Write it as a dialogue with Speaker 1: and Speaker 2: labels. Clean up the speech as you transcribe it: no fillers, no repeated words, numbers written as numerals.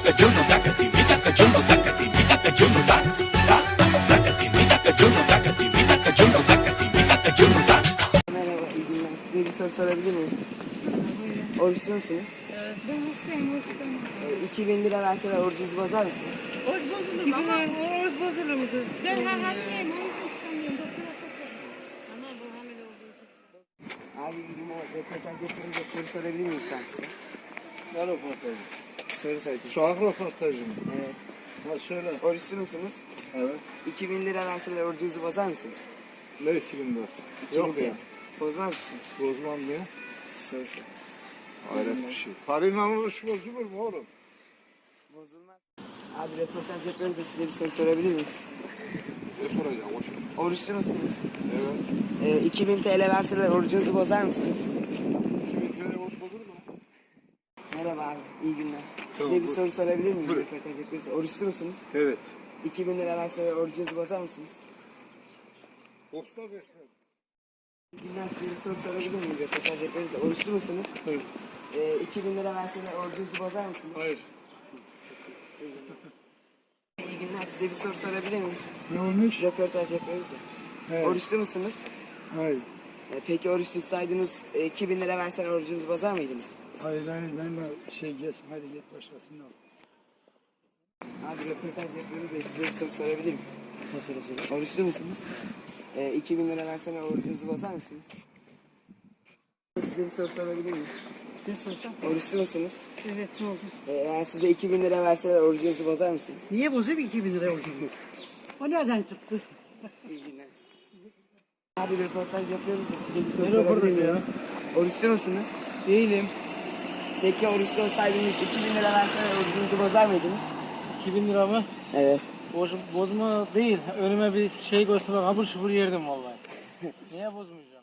Speaker 1: Merhaba, iyi günler. Size bir soru sorabilir miyim? Oruçlu musunuz?
Speaker 2: Evet. Ben hastayım, hastayım.
Speaker 1: 2000 lira verseler orucunuzu bozar mısınız?
Speaker 2: Oruç bozulur mu? Ama oruç bozulur mu kız? Ben hamileyim, oruç tutamıyorum. Doktora sokarım. Ama bu hamile olduğu için.
Speaker 1: Abi iyi günler. Röportaj yapıyoruz da soru sorabilir miyim ben size?
Speaker 3: Ne röportajı?
Speaker 1: Soru sorayım.
Speaker 3: Sokak röportajı mı?
Speaker 1: Evet.
Speaker 3: Ha söyle.
Speaker 1: Oruçlu musunuz?
Speaker 3: Evet.
Speaker 1: 2000 lira verseler orucunuzu bozar mısınız?
Speaker 3: Ne 2000 lirası?
Speaker 1: 2000
Speaker 3: Yok ya.
Speaker 1: TL. Bozmaz mısınız?
Speaker 3: Bozmam diye.
Speaker 1: Soru.
Speaker 3: Hayret bir şey. Parayla oruç bozulur mu oğlum?
Speaker 1: Bozulmaz. Abi röportaj yapıyoruz da size bir soru sorabilir miyim?
Speaker 3: Ne soracağım o şey?
Speaker 1: Oruçlu musunuz?
Speaker 3: Evet.
Speaker 1: 2000 TL verseler orucunuzu bozar mısınız?
Speaker 3: 2000 TL oruç bozulur mu?
Speaker 1: Merhaba abi, iyi günler.
Speaker 3: Tamam,
Speaker 1: Size bir
Speaker 3: buyur.
Speaker 1: soru sorabilir miyim?
Speaker 3: Buyur.
Speaker 1: Röportaj yapıyoruz. Oruçlu musunuz?
Speaker 3: Evet.
Speaker 1: 2000 lira verseler orucunuzu bozar mısınız?
Speaker 3: Bozma be.
Speaker 1: İyi günler, size bir soru sorabilir miyim? Röportaj yapıyoruz da oruçlu musunuz?
Speaker 3: Hayır.
Speaker 1: 2000 lira verseler orucunuzu bozar mısınız?
Speaker 3: Hayır.
Speaker 1: İyi günler, size bir soru sorabilir miyim?
Speaker 3: Ne olmuş?
Speaker 1: Röportaj yapıyoruz da.
Speaker 3: Evet.
Speaker 1: Oruçlu musunuz?
Speaker 3: Hayır.
Speaker 1: Peki oruç tutsaydınız 2000 lira verseler orucunuzu bozar mıydınız?
Speaker 3: Hayır ben de geç. Hadi git başkasını al.
Speaker 1: Abi röportaj yapıyoruz da size bir soru sorabilir miyim? Ne soracağım? Oruçlu musunuz? 2000 lira verseler orucunuzu bozar mısınız? Size bir soru sorabilir miyim?
Speaker 2: Ne soracağım?
Speaker 1: Oruçlu musunuz?
Speaker 2: Evet, ne oldu?
Speaker 1: Eğer size 2000 lira verseler orucunuzu bozar mısınız?
Speaker 2: Niye bozuyor 2000 lira oldu? O nereden çıktı?
Speaker 1: İyi günler. Abi röportaj yapıyoruz da size bir soru
Speaker 3: Ne
Speaker 1: sorabilir
Speaker 3: röportajı
Speaker 1: miyim?
Speaker 3: ya?
Speaker 1: Oruçlu musunuz?
Speaker 2: Değilim.
Speaker 1: Peki oruçlu olsaydınız 2000 lira verseler orucunuzu bozar mıydınız?
Speaker 4: 2000 lira mı?
Speaker 1: Evet.
Speaker 4: Bozma değil. Önüme bir şey gösterse kabur şubur yerdim vallahi. Niye bozmayacağım?